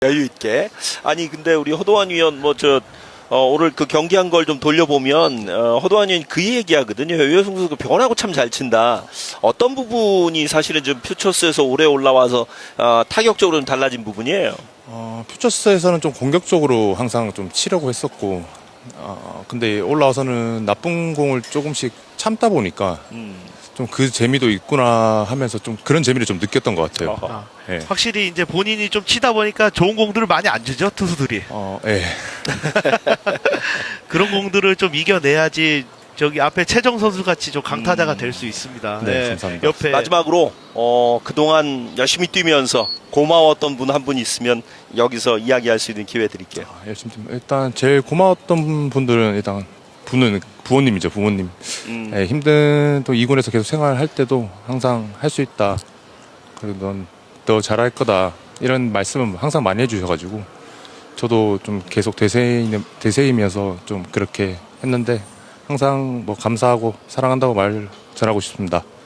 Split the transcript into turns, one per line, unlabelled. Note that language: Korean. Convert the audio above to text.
여유 있게. 아니 근데 우리 허도환 위원 오늘 그 경기한 걸 좀 돌려보면 허도환 위원이 그 얘기하거든요. 유효승 선수가 변하고 참 잘 친다. 어떤 부분이 사실은 좀 퓨처스에서 올해 올라와서 타격적으로 좀 달라진 부분이에요.
퓨처스에서는 좀 공격적으로 항상 좀 치려고 했었고, 근데 올라와서는 나쁜 공을 조금씩 참다 보니까 좀 그 재미도 있구나 하면서 좀 그런 재미를 좀 느꼈던 것 같아요. 네.
확실히 이제 본인이 좀 치다 보니까 좋은 공들을 많이 안 주죠, 투수들이.
예.
그런 공들을 좀 이겨내야지 저기 앞에 최정 선수 같이 좀 강타자가 될 수 있습니다.
네, 감사합니다.
옆에
마지막으로 그동안 열심히 뛰면서 고마웠던 분 한 분 있으면 여기서 이야기할 수 있는 기회 드릴게요.
열심히 일단 제일 고마웠던 분들은 일단 부모님이죠, 부모님. 네, 힘든 또 2군에서 계속 생활할 때도 항상 할 수 있다. 그리고 넌 더 잘할 거다. 이런 말씀은 항상 많이 해주셔가지고 저도 좀 계속 대세이면서 좀 그렇게 했는데 항상 뭐 감사하고 사랑한다고 말 전하고 싶습니다.